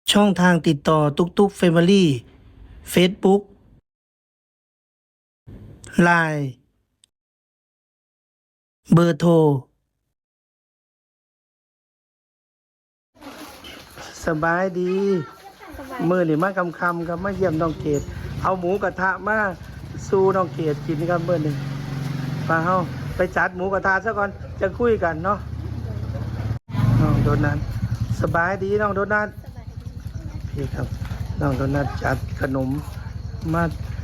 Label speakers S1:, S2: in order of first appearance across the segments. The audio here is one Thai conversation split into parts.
S1: ช่องทางติดต่อตุกตุกเฟมิลี่เฟซบุ๊กไลน์เบอร์โทรสบายดีมือนี่มาคำครับมาเยี่ยมน้องเกดเอาหมูกระทะมาสู่น้องเกดกินครับเบอร์หนึ่งมาเฮาไปจัดหมูกระทะซะก่อนจะคุยกันเนาะน้องโดนัทสบายดีน้องโดนัทพี่ครับน้องโดนัทจัดขนมมา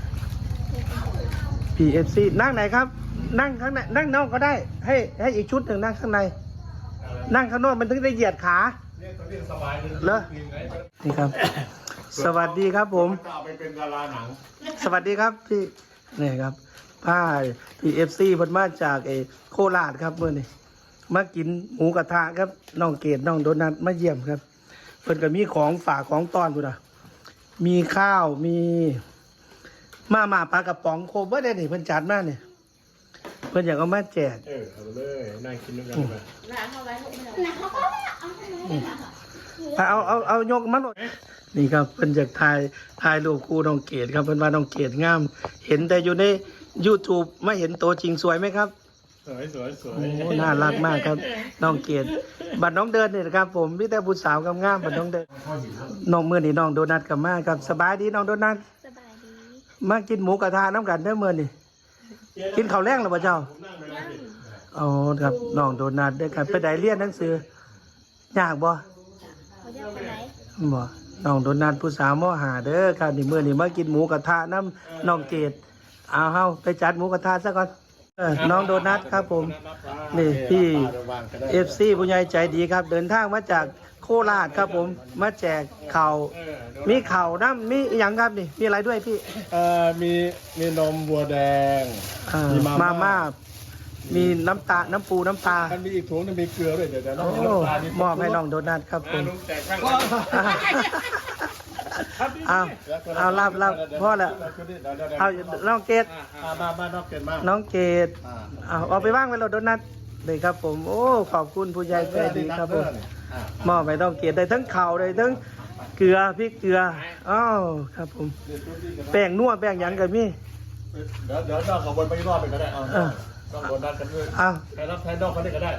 S1: PFC นั่งไหนครับ นั่งข้างในนั่งนอกก็ได้ ให้อีกชุดหนึ่งนั่งข้างใน นั่งข้างนอกมันถึงได้เหยียดขาเหรอนี่ครับ สวัสดีครับผม
S2: ไปเป็นดาราหนัง
S1: สวัสดีครับพี่นี่ครับป้า PFC เพิ่นมาจากโคราชครับเมื่อนี้มากินหมูกระทะครับน้องเกดน้องโดนัทมาเยี่ยมครับเพิ่นก็มีของฝากของต้อนพุ่นน่ะมีข้าวมีมาปลากระป๋องโคเบอร์ได้นี่เพิ่นจัดมาเนี่ยเพิ่นอยากเอามาแจก
S2: เอาเลยนั่งกินด้วยกันไป
S1: เอายกมาหน่อยนี่ครับเพิ่นอยากถ่ายรูปคู่น้องเกดครับเพิ่นว่าน้องเกดงาม เห็นแต่อยู่ใน YouTube ไม่เห็นตัวจริงสวยไหมครับ
S2: สวยสวยสวย
S1: โอ้น่ารักมากครับน้องเกดบัดน้องเดินนี่นะครับผมมีแต่ผู้สาวงามๆบัดน้องเดินน้องมื้อนี้น้องโดนัทกับมาครับสบายดีน้องโดนัท
S3: สบายดี
S1: มากินหมูกระทะน้ำกันเด้อมื้อนี้กินข้าวแรงหรือเปล่าเจ้าอ๋อครับน้องโดนัทเด้อครับไปได้เรียนหนังสือยากบ่
S3: เขาจะไปไหน
S1: บ่น้องโดนัทผู้สาวมหาเด้อครับนี่มื้อนี้มากินหมูกระทะน้ำน้องเกดเอาเฮาไปจัดหมูกระทะซะก่อนน้องโดนัทครับผมนี่พี่FC ผู้ใหญ่ใจดีครับ เดินทางมาจากโคราชครับผมมาแจกข่าวมีข่าวน้ำมีอหย่างครับนี่มีอะไรด้วยพี่
S2: มีนมวัวแดง มี
S1: มาม่ามีน้ำตาน้ำปูน้ำปลา
S2: มันมีอีกถุงนึงมีเกลือด้วยเดี๋ยวน้อง
S1: โอ้มอบให้น้องโดนัทครับผม
S2: ลุงแจกข้าง
S1: เอารับพ่อแล้วเอาน้องเกด
S2: มาน้องเกดมา
S1: น้องเกดเอาไปว่างไว้เราโดนัทเลยครับผมโอ้ขอบคุณผู้ใหญ่ใจดีครับผมมอบให้น้องเกดได้ทั้งข่าวได้ทั้งเกลือพริกเกลืออ้าวครับผมแป้งนัวแป้งหยังกันมี่
S2: เดี๋ยวน้องขบวนไปรอบไปก็ได้เอาน้องโดนนัดกันด้วย
S1: เอา
S2: ใครรับใครนอกเขาได้ก็ได้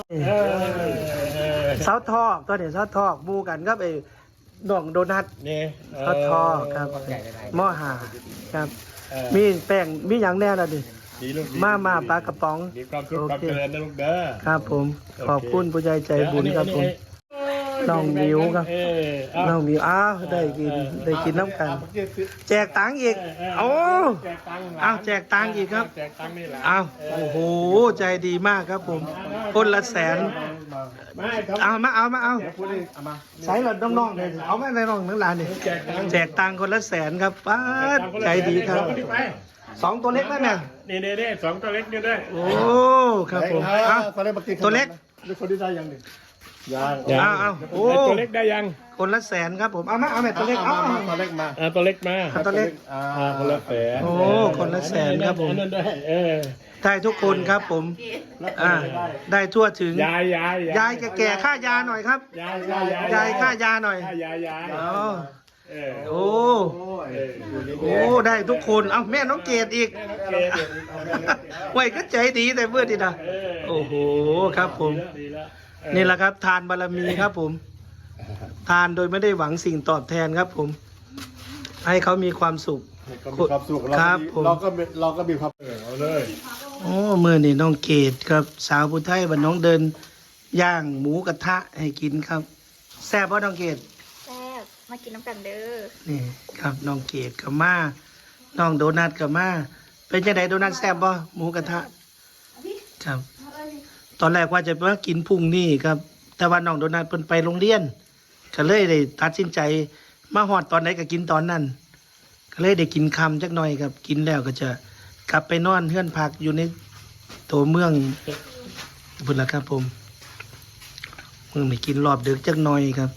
S1: เสาทอกตัวนี้เสาทอกหมูกันครับน้องโดนัท
S2: นี่
S1: เสาทอกครับหม้อหาครับ มีแป้งมีหยังแน่ละดิ
S2: ดีลูก
S1: มาปลากระป๋อง
S2: มีความสุขความเจริญนะลูกเด้อ
S1: ครับผมขอบคุณผู้ใหญ่ใจบุญครับผมน้องมิวครับน้องมิวอ้าวได้กินน้ำกัน แจกตังค์อีกโอ้
S2: แจกตังค์
S1: อ้าวแจกตังค์อีกครับ
S2: แจกตังค์นี่แหละ
S1: อ้าวโอ้โหใจดีมากครับผมคนละแสน
S2: ไม่ครับ
S1: เอามา
S2: เดี๋ยวพูดดิเอามา
S1: ใส่หลอดน้องๆเลยเอาแม่ในน้องทั้งหลานนี่ แจกตังค์คนละแสนครับป้าดใจดีครับสองตัวเล็กไหมแม่
S2: นี่สองตัวเล็กนี่ด้วย
S1: โอ้ครับผมเอา ตัวเล็ก
S2: นี่คนที่ได้ยังหนึ่งยัง
S1: เอาโอ้
S2: ตัวเล็กได้ยัง
S1: คนละแสนครับผมเอาแม่ตัวเล็กเอา
S2: ตัวเล็กมาตัวเล็กมา
S1: ตัวเล็ก
S2: คนละแสน
S1: โอ้คนละแสนครับผม
S2: นั่นด้วย
S1: ได้ทุกคนครับผมได้ทั่วถึง
S2: ยาย
S1: แก่ๆค่ายาหน่อยครับ ยายค่ายาหน่อย
S2: ยาย
S1: อ๋อโอ้ได้ทุกคนเอาแม่น้องเกดอีกไว้ก็ใจดีแต่เมื่อดีนะโอ้โหครับผม นี่แหละครับ ทานบารมีครับผม ทานโดยไม่ได้หวังสิ่งตอบแทนครับผม ให้เขามีความสุข
S2: ความสุข
S1: ครับผม
S2: เราก็มีความเอาเลย
S1: โอ้เมื่อนี่น้องเกดครับ สาวผู้ไทยบ้านน้องเดิน ย่างหมูกระทะให้กินครับแซ่บเพราะน้องเกด
S3: แซ่บมากินน้ำกันเด้อ
S1: นี่ครับน้องเกดกับมาน้องโดนัทกับมาเป็นยังไงโดนัทแซ่บป่ะหมูกระทะครับ ตอนแรกว่าจะมากินพรุ่งนี้ครับ แต่ว่าน้องโดนัทเพิ่นไปโรงเรียนก็เลยได้ตัดสินใจมาฮอดตอนไหนก็กินตอนนั้นก็เลยได้กินคำจักหน่อยครับ กินแล้วก็จะกลับไปนอนเฮือนพักอยู่ในตัวเมืองพุ่นละครับผมเมืองไม่กินรอบดึกจักหน่อยครับ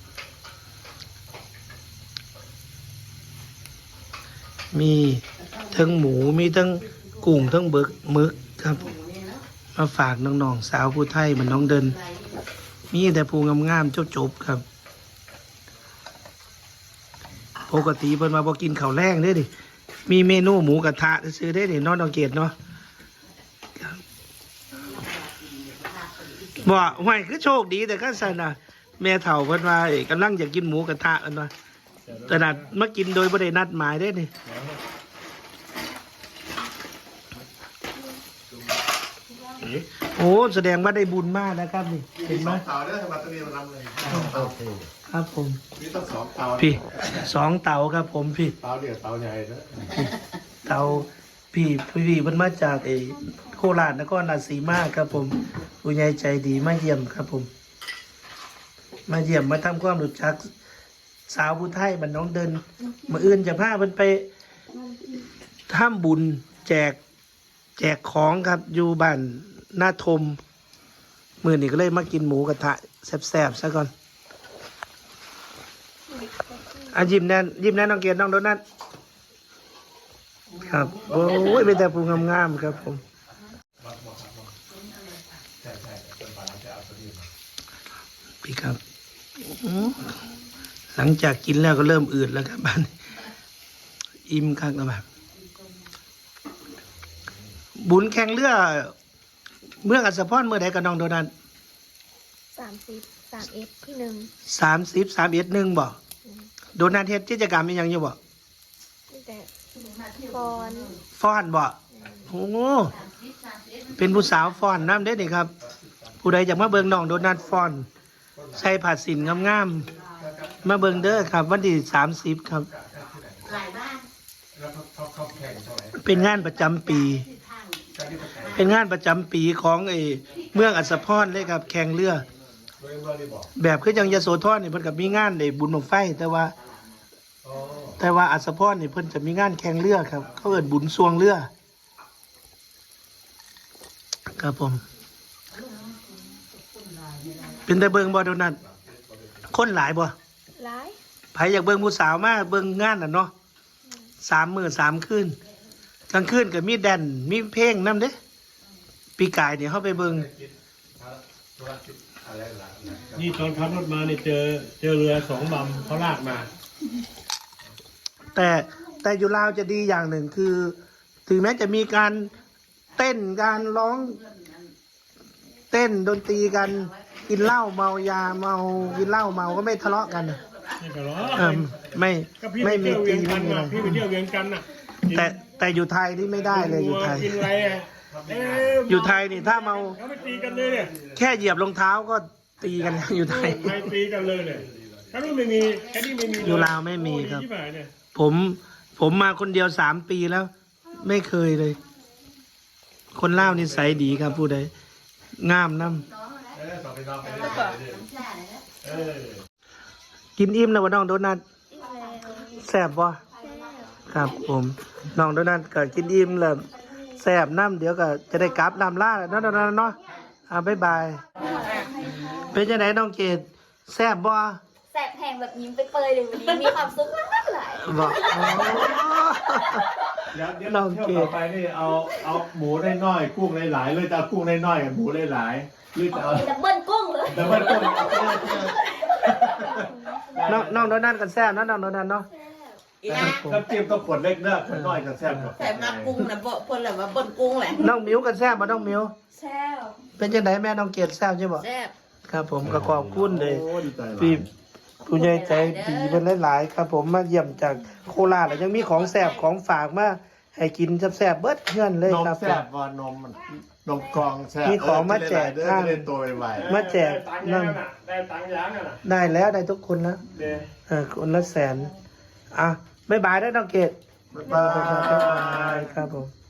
S1: มีทั้งหมูมีทั้งกุ้งทั้งหมึกครับ มาฝากน้องๆสาวผู้ไทยเหมือนน้องเดิน มีแต่ผู้งามๆจบๆครับปกติเพิ่นมาบ่กินข้าวแรงเด้ดิมีเมนูหมูกระทะซื้อได้ดิเนาะน้องเกดเนาะบ่ห่วยคือโชคดีแต่ก็สั่นน่ะแม่เฒ่าเพิ่นว่าเอ้ยกำลังอยากกินหมูกระทะกันว่าแต่นัดมากินโดยบ่ได้นัดหมายเด้นี่ โอ้แสดงว่าได้บุญมากนะครับนี่เห็นไหม
S2: เตาเนี่ยทำไมต้องมีมันทำเลยโอเค
S1: ครับผม
S2: นี่ต้องสองเตา
S1: พี่2 เตาครับผมพี่
S2: เตาเดียวเตาใหญ่นะ
S1: เตาพี่มันมาจากโคราชนครราชสีมาครับผมผู้ใหญ่ใจดีมาเยี่ยมครับผม มาเยี่ยมมาทำความรู้จักสาวผู้ไทยมันน้องเดินมาอื่นจะพามันไปทำบุญแจกของครับอยู่บ้านหน้าทมมื้อนี้ก็เลยมากินหมูกระทะแซ่บๆซะก่อนยิ้มแน่น้องเกียรติน้องโดนัทครับโอ้ยเป็นแต่ผู้งามๆครับผมพี่ครับหลังจากกินแล้วก็เริ่มอืดแล้วครับบ้านอิ่มคักแล้วแบบบุญแข่งเรือเมืองอัศพรเมื่อใดกับน้องโดนัท
S3: 30 3F ที่
S1: 31บ่โดนัทเฮ็ดกิจกรรมอีหยังอยู่บ่
S3: 1นี่แต่ฟอน
S1: ฟ้อนบ่โอ้เป็นผู้สาวฟ้อนน้ำเด้นี่ครับ ผู้ใดอยากมาเบิ่งน้องโดนัทฟ้อนใส่ผ้าสินงามๆมาเบิ่งเด้อครับ วันที่30ครับ เป็นงานประจำปี เป็นงานประจำปีของเมืองอัศพรเลยครับ แข่งเรือ แบบคือจังยโสธรนี่เพิ่นก็มีงานในบุญบั้งไฟแต่ว่าอัศพรนี่เพิ่นจะมีงานแข่งเรือครับ เขาเอิ้นบุญสวงเรือครับผม เป็นแต่เบิ่งบ่โดนัทคนหลายบ่
S3: หลาย
S1: ไผอยากเบิ่งผู้สาวมาเบิ่งงานน่ะเนาะ3 มื้อ 3 คืนกลางคืนก็มีแดนมีเพลงนำเด้ปีกายนี่เฮาไปเบิ่ง
S4: นี่ตอนขับรถมาเนี่ยเจอเรือ2 ลำเขาลากมา
S1: แต่อยู่ลาวจะดีอย่างหนึ่งคือ ถึงแม้จะมีการเต้นการร้องเต้นดนตรีกันกินเหล้าเมายาเมากินเหล้าเมาก็ไม่ทะเลาะกัน
S4: ไม่ทะเลาะ
S1: ไม่
S4: ก็พี่
S1: ไม่
S4: ไป
S1: มี
S4: เที่ยวเวี
S1: ตี
S4: ยงกั
S1: ไม่
S4: น
S1: มี
S4: น่ะ
S1: อะไร
S4: พี่ไปเที่ยวเวียงกันน่ะ
S1: แต่อยู่ไทยนี่ไม่ได้เลยอยู่ไทย
S4: กินอะไรอ่ะเ
S1: อยู่ไทยนี่ถ้าเมา
S4: เขาไปตีกันเลยเนี่ย
S1: แค่เหยียบรองเท้าก็ตีกันแล้วอยู่ไทย
S4: ไปตีกันเลยเนี่ยถ้านี่ไม่มีแค่นี้ไม่มีเล
S1: อยู่ลาวไม่มีครับ
S4: โอ้ดีที่ไหนเนี่ย
S1: ผมมาคนเดียว3 ปีแล้ว ไม่เคยเลย คนลาวนิสัยดีครับผู้ใดงามน้ำกินอิ่มแล้วว่าน้องโดนัท
S3: อีกแล้ว
S1: แซ่บบ่
S3: แซ่บ
S1: ครับผมน้องโดนัทก็กินอิ่มแล้วแซ่บน้ำเดี๋ยวก็จะได้กลับลำล่าแล้วเนาะเนาะบ๊ายบาย เป็นจังไหนน้องเกดแซ่บบ่
S3: แสบแหงแบบยิ้มไปเปยเลยวันนี้มีความสุขมากๆหลาย
S1: บ่
S2: เดี๋ยวเที่ยวต่อไปนี่เอาหมูได้น้อยกุ้งหลายๆเลยจะเอากุ้งได้น้อยกับหมูหลายๆหรือจะเอา
S3: ดับเบิลกุ้งเลย
S2: แต่ว่ากุ้ง
S1: น้องโดนัทกันแซ่บเนาะน้องโดนัทเนาะ
S5: อีนะ
S2: น้ำจิ้มต้องขวดเล็กเด้อขวดน้อยกับแซ่บกว่า
S5: แต่มากุ้งนะบ่เพิ่นแหละว่าเบิ่นกุ้งแหละ
S1: น้องมิวกันแซ่บบ่น้องมิว
S3: แซ่บ
S1: เป็นจังไหนแม่น้องเกดแซ่บใช่บ่
S5: แซ่บ
S1: ครับผมก็ขอบคุณเลย
S2: โอ้ดีใจหลาย
S1: พี่ผู้ใหญ่ใจดีเป็นหลายๆครับผมมาเยี่ยมจากโคราชแล้วยังมีของแซ่บของฝากมาให้กินแซ่บๆเบิดเพื่อนเลย
S2: นม
S1: ครับ
S2: แซ่บว่านมมันนมกรองแซ่บ
S1: มีของมาแจก
S2: เด้อ
S1: ข้าง
S2: จะได้ตัวไว
S1: มาแจก
S4: ได้ตังค์
S1: นั่
S4: ยัง
S1: ง
S4: น่ะได้ตังค์ยังน่ะ
S1: ได้แล้วได้ทุกคนแล้ว
S4: เดี๋ยว
S1: คนละ100,000อ่ะบ๊ายบายได้อน้องเกด
S2: ๆบ๊ายบาย
S1: ครับผม